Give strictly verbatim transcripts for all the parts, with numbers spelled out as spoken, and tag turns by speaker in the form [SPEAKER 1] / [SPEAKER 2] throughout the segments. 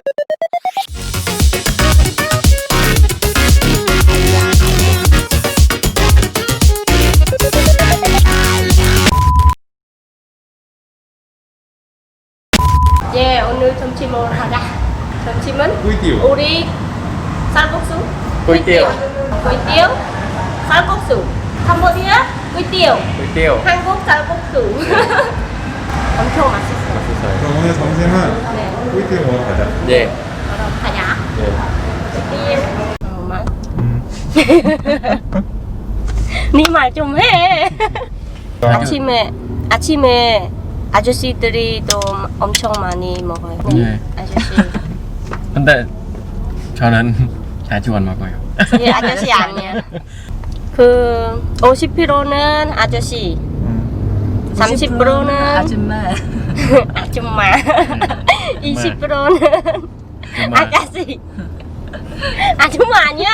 [SPEAKER 1] 예, 오늘 점심 먹으러 가자. 점심은
[SPEAKER 2] 꿀띠요.
[SPEAKER 1] 우리 쌀국수,
[SPEAKER 2] 꿀띠요.
[SPEAKER 1] 꿀띠요, 쌀국수. 캄보디아 꿀띠요.
[SPEAKER 2] 꿀띠요.
[SPEAKER 1] 한국 쌀국수. 엄청 맛있어.
[SPEAKER 2] 맛있어요.
[SPEAKER 3] 그럼 오늘 점심은
[SPEAKER 1] 네,
[SPEAKER 3] 꿀띠 먹으러 가자.
[SPEAKER 2] 예.
[SPEAKER 1] 그럼 가자.
[SPEAKER 2] 예.
[SPEAKER 1] 꿀띠요. 어, 말.
[SPEAKER 3] 음.
[SPEAKER 1] 네 말 좀 해. 아침에 아침에 아저씨들이 또 엄청 많이 먹어요.
[SPEAKER 2] 네.
[SPEAKER 1] 아저씨.
[SPEAKER 2] 근데 저는 자주 안 먹어요.
[SPEAKER 1] 예, 아저씨 아니야. 그 오십 퍼센트는 아저씨,
[SPEAKER 3] 음.
[SPEAKER 1] 삼십 퍼센트는
[SPEAKER 4] 아줌마.
[SPEAKER 1] 아줌마, 이십 퍼센트는
[SPEAKER 2] 정말
[SPEAKER 1] 아가씨. 아줌마 아니야.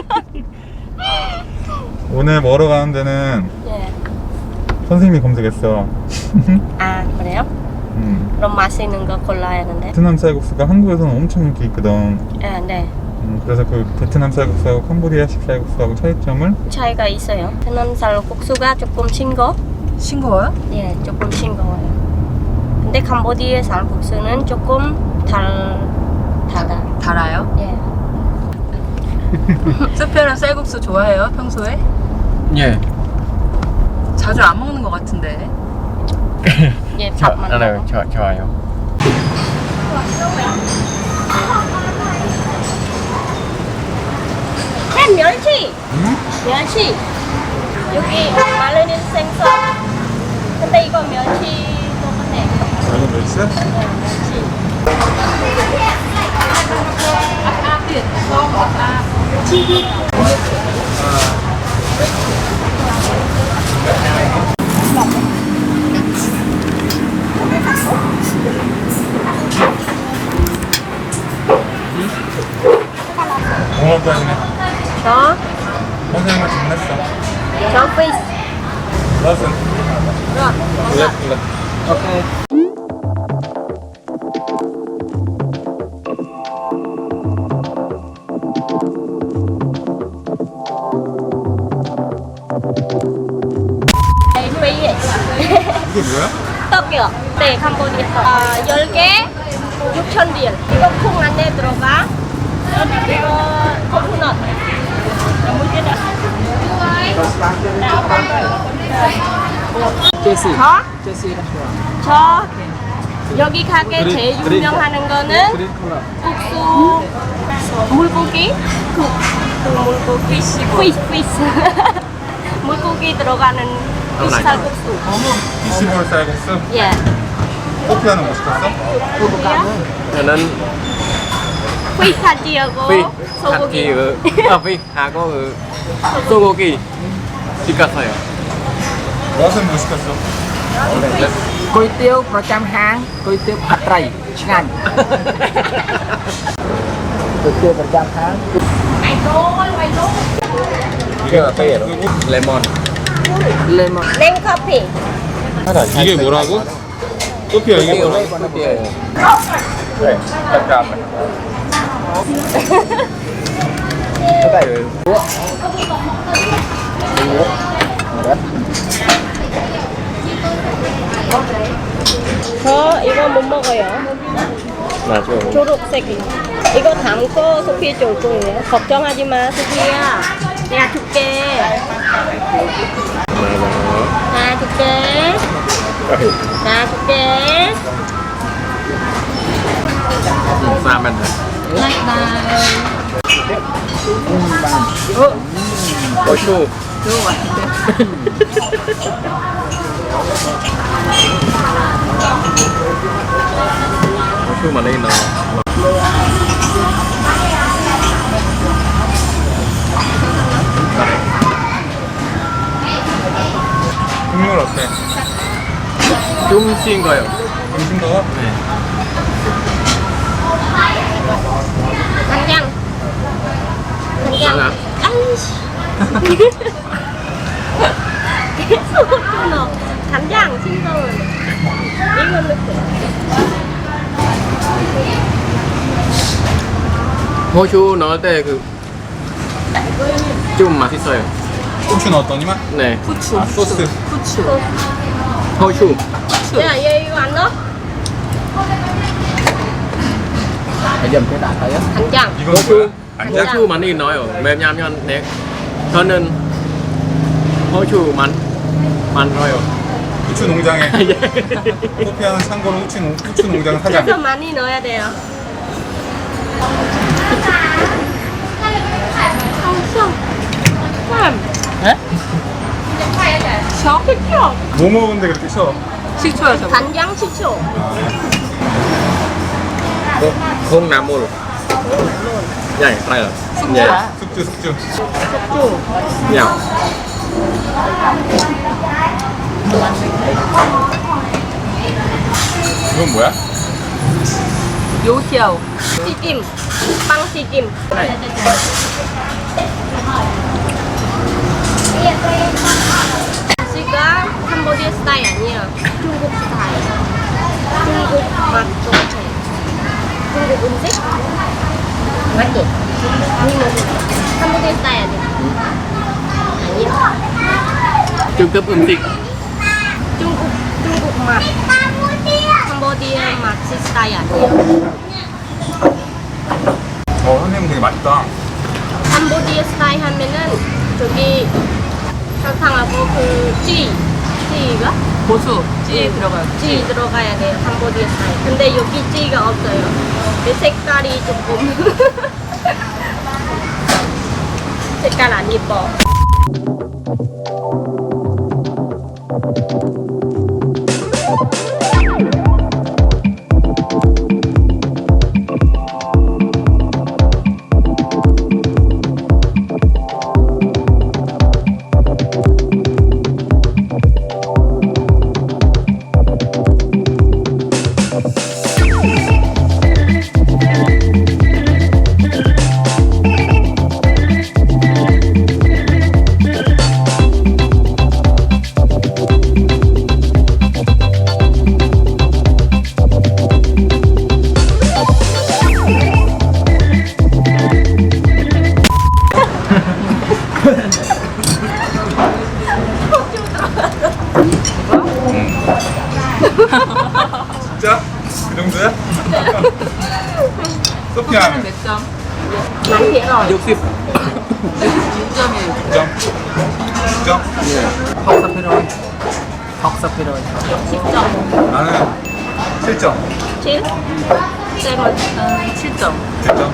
[SPEAKER 3] 오늘 먹으러 가는 데는
[SPEAKER 1] 예.
[SPEAKER 3] 선생님이 검색했어.
[SPEAKER 1] 아 그래요?
[SPEAKER 3] 음.
[SPEAKER 1] 그럼 맛있는 거 골라야 하는데.
[SPEAKER 3] 베트남 쌀국수가 한국에서는 엄청 인기 있거든.
[SPEAKER 1] 아, 네.
[SPEAKER 3] 음, 그래서 그 베트남 쌀국수하고 캄보디아식 쌀국수하고 차이점을
[SPEAKER 1] 차이가 있어요. 베트남 쌀국수가 조금 싱거.
[SPEAKER 4] 싱거워요?
[SPEAKER 1] 예, 조금 싱거워요. 근데 캄보디아 쌀국수는 조금 달 달아.
[SPEAKER 4] 달아요?
[SPEAKER 1] 예.
[SPEAKER 4] 수표랑 쌀국수 좋아해요? 평소에?
[SPEAKER 2] 예.
[SPEAKER 4] 자주 안 먹는 것 같은데.
[SPEAKER 1] 예,
[SPEAKER 2] 저
[SPEAKER 1] 밥만
[SPEAKER 2] 알아요.
[SPEAKER 1] 먹어.
[SPEAKER 2] 저 좋아요.
[SPEAKER 1] 햄 멸치. 멸치. 여기 마르는 생선. 근데 이거 멸치 똑같네.
[SPEAKER 3] 이거 몇 시?
[SPEAKER 1] 네, 멸치.
[SPEAKER 3] 공원까지네.
[SPEAKER 1] 저,
[SPEAKER 3] 선생님은 주문했어.
[SPEAKER 1] 저 피스.
[SPEAKER 3] 러슨.
[SPEAKER 2] 오케이.
[SPEAKER 3] 이게 뭐야?
[SPEAKER 1] 떡이요. 네, 캄보디아 떡. 아, 열 개 육천 딜. 이거 콩 안에 들어가. 이거 코코넛.
[SPEAKER 5] 제시.
[SPEAKER 1] 저?
[SPEAKER 5] 제시
[SPEAKER 1] 저 여기 가게 제일 유명하는 거는
[SPEAKER 5] 그린 컬러.
[SPEAKER 1] 국수 물고기 그, 그 물고기 피시 피시 물고기 들어가는 피시 쌀국수.
[SPEAKER 3] 피시볼 쌀국수?
[SPEAKER 1] 예.
[SPEAKER 3] 커피 하나 뭐 시켰어?
[SPEAKER 2] 저는
[SPEAKER 1] 피시 파티하고
[SPEAKER 2] 피
[SPEAKER 1] 소고기.
[SPEAKER 2] 파티 아 피하고 소고기 시켰어요.
[SPEAKER 3] 러슨 뭐 시켰어?
[SPEAKER 5] 꼬이띠오 프로짬항, 꼬이띠오 팟라이, 칭한. 꼬이띠오 프로짬항.
[SPEAKER 2] 이게 카페예요. 레몬.
[SPEAKER 5] 레몬.
[SPEAKER 1] 냉커피.
[SPEAKER 3] 이게 뭐라고? 커피야 이게 뭐라고?
[SPEAKER 2] 커피예요.
[SPEAKER 3] 네, 잠깐만.
[SPEAKER 1] 저 이거 못 먹어요.
[SPEAKER 2] 맞아.
[SPEAKER 1] 초록색이. 이거 담고 소피 줄 거예요. 걱정하지 마, 소피야. 내가 줄게. 나 줄게. 나 줄게.
[SPEAKER 2] 싸면 돼. 고추. 고추 많이 넣어.
[SPEAKER 3] 국물 어때?
[SPEAKER 2] 좀 싱거요.
[SPEAKER 3] 좀 싱거워?
[SPEAKER 2] 네.
[SPEAKER 1] 간장. 간장. 아이씨. 계속 끊어. 간장 싱거운. 이거 넣고.
[SPEAKER 2] 호주 넣을 때 그 좀 맛있어요.
[SPEAKER 3] 고추 넣었더니만
[SPEAKER 2] 네.
[SPEAKER 4] 후추.
[SPEAKER 3] 아, 소스.
[SPEAKER 4] 후추.
[SPEAKER 2] 호주.
[SPEAKER 1] 야, 얘 이거 안 넣어?
[SPEAKER 5] Bây giờ mình đã thấy á.
[SPEAKER 1] 간장.
[SPEAKER 3] 이건 뭐야? 간장?
[SPEAKER 2] 호주 많이 넣어요. 왜냐면 네. 저는 호주 많 많이 넣어요.
[SPEAKER 3] 후추 농장에
[SPEAKER 2] 예.
[SPEAKER 3] 소피아는 참고로 후추, 농, 후추 농장
[SPEAKER 1] 그래서
[SPEAKER 3] 사장.
[SPEAKER 1] 많이 넣어야 돼요.
[SPEAKER 4] 에? 셔?
[SPEAKER 3] 뭐 먹었는데 그렇게 셔?
[SPEAKER 4] 식초야 저거.
[SPEAKER 1] 간장 식초.
[SPEAKER 2] không làm mùi nhảy tay rồi
[SPEAKER 4] 숙주야.
[SPEAKER 3] 숙주 숙주.
[SPEAKER 2] nhảy
[SPEAKER 3] 이건 뭐야?
[SPEAKER 4] 요티아오.
[SPEAKER 1] 튀김. 빵 튀김. 지가 캄보디아 스타일 아니에요. 중국 스타일. 중국 맛 좋대. 중국 음식? 맞지? 아니 뭐 캄보디아 스타일 아니야? 아니야.
[SPEAKER 2] trung cấp âm tịch
[SPEAKER 1] 중국 중국 맛. 캄보디아 맛 스타일 아니에요.
[SPEAKER 3] 어 선생님 되게 맛있다.
[SPEAKER 1] 캄보디아 스타일 하면은 저기 설탕하고 그 찌, 찌가
[SPEAKER 4] 고수. 찌에 들어가요.
[SPEAKER 1] 찌 들어가야 돼요. 캄보디아 스타일. 근데 여기 찌가 없어요. 그 색깔이 조금 색깔 안 예뻐.
[SPEAKER 3] 진짜? 그 정도야? 소피아
[SPEAKER 4] 소피아는 몇 점?
[SPEAKER 1] 많이 배워.
[SPEAKER 2] 육십
[SPEAKER 4] 육 점이에요.
[SPEAKER 3] 육 점? 육 점?
[SPEAKER 5] Học sắp rồi. Học sắp rồi.
[SPEAKER 1] 십 점.
[SPEAKER 3] 나는 칠 점.
[SPEAKER 1] 칠? 쌤은
[SPEAKER 4] 저는 칠 점.
[SPEAKER 3] 칠 점?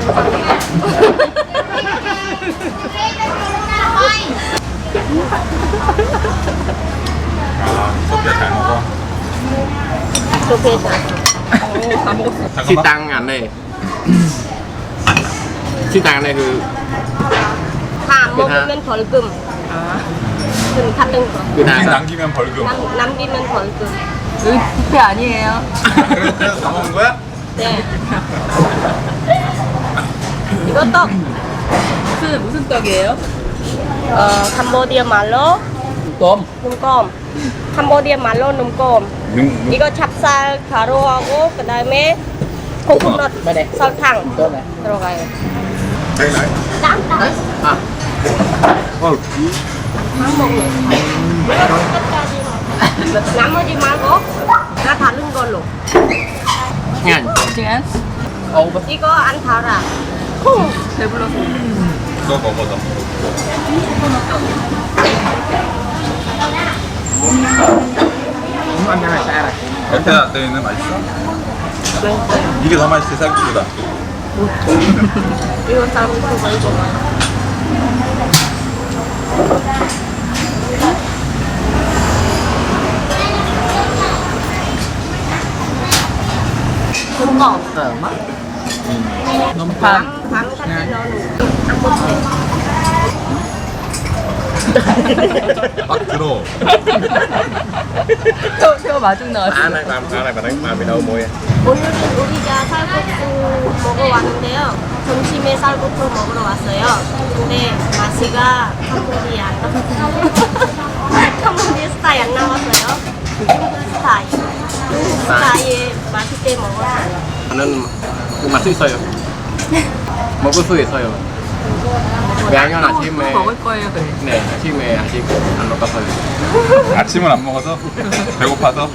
[SPEAKER 3] 아 소피아 잘 먹어.
[SPEAKER 1] 좋게 잘.
[SPEAKER 4] 다 먹었어.
[SPEAKER 2] chi
[SPEAKER 3] 잠깐만.
[SPEAKER 2] tăng ảnh này chi tăng này 그
[SPEAKER 1] 다 먹으면 벌금.
[SPEAKER 4] 아.
[SPEAKER 1] 금 같은 거.
[SPEAKER 2] 그
[SPEAKER 3] 음식
[SPEAKER 2] 다
[SPEAKER 3] 남기면 벌금.
[SPEAKER 1] 남, 남기면 벌금.
[SPEAKER 4] 여기 뷔페 아니에요.
[SPEAKER 3] 그래서, 그래서 다 먹은 거야?
[SPEAKER 1] 네. 이거 떡.
[SPEAKER 4] 무슨 무슨 떡이에요?
[SPEAKER 1] 어, 캄보디아 말로
[SPEAKER 5] Tôm.
[SPEAKER 1] 눈껌. 캄보디아 말로 눈껌.
[SPEAKER 3] 능,
[SPEAKER 1] 이거 찹쌀 가루하고 그다음에 코코넛
[SPEAKER 5] Bên đây.
[SPEAKER 1] 설탕
[SPEAKER 5] Tôm này.
[SPEAKER 1] 들어가요.
[SPEAKER 3] 자기 나이?
[SPEAKER 1] 짱짱.
[SPEAKER 2] à 어
[SPEAKER 1] 안 먹네. 끝까지. 나머지 말고 다 다른 걸로.
[SPEAKER 2] ngàn
[SPEAKER 4] 시간?
[SPEAKER 5] Ô bên.
[SPEAKER 1] 이거 안 달아. 콩.
[SPEAKER 4] 배불러서.
[SPEAKER 3] 너 먹어 너.
[SPEAKER 5] Muốn ăn cái này xa này.
[SPEAKER 3] 여태야 너희는 맛있어? 이게 더 맛있지 쌀국수보다.
[SPEAKER 1] 이거 쌀국수가 이거 봐. 눈껌.
[SPEAKER 5] Thơm á. Nôm
[SPEAKER 4] 밥.
[SPEAKER 1] 밤, 밤 같이 넣어놓고 안 먹지.
[SPEAKER 3] 막 들어.
[SPEAKER 4] 또 새우 마중 나왔어.
[SPEAKER 2] à này làm à này mà đánh mà bị đâu mùi
[SPEAKER 1] 오늘은 우리가 쌀국수 먹어 왔는데요. 점심에 쌀국수 먹으러 왔어요. 근데 맛이가 캄보디아 캄보디아 스타일 안 나왔어요. 중국 스타일. 중국 스타일 맛있게 먹었어요.
[SPEAKER 2] nên 그 맛이 있어요 먹을 수 있어요. 왜냐면
[SPEAKER 4] 또,
[SPEAKER 2] 아침에
[SPEAKER 4] 또 먹을 거예요, 그래.
[SPEAKER 2] 네, 아침에 아직 안 먹었어요.
[SPEAKER 3] 아침은 안 먹어서 배고파서.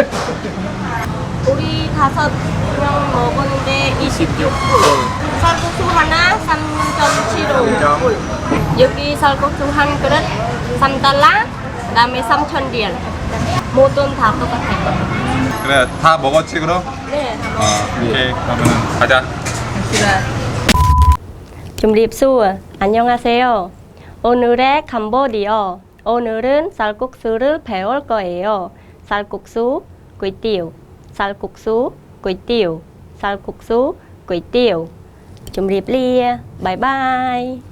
[SPEAKER 1] 우리 다섯 명 먹었는데 이십육 불. 쌀국수 하나 삼 점 칠오 불. 여기 쌀국수 한 그릇 삼 달러, 그다음에 삼천 리얼. 모든 다 똑같아요.
[SPEAKER 3] 그래 다 먹었지 그럼?
[SPEAKER 1] 네.
[SPEAKER 3] 어 오케이 그러면은 가자.
[SPEAKER 4] 갑시다.
[SPEAKER 1] 준립수 안녕하세요. 오늘의 캄보디아. 오늘은 쌀국수를 배울 거예요. 쌀국수, 꿀띠우, 쌀국수, 꿀띠우, 쌀국수, 꿀띠우. 준립리에. 바이바이.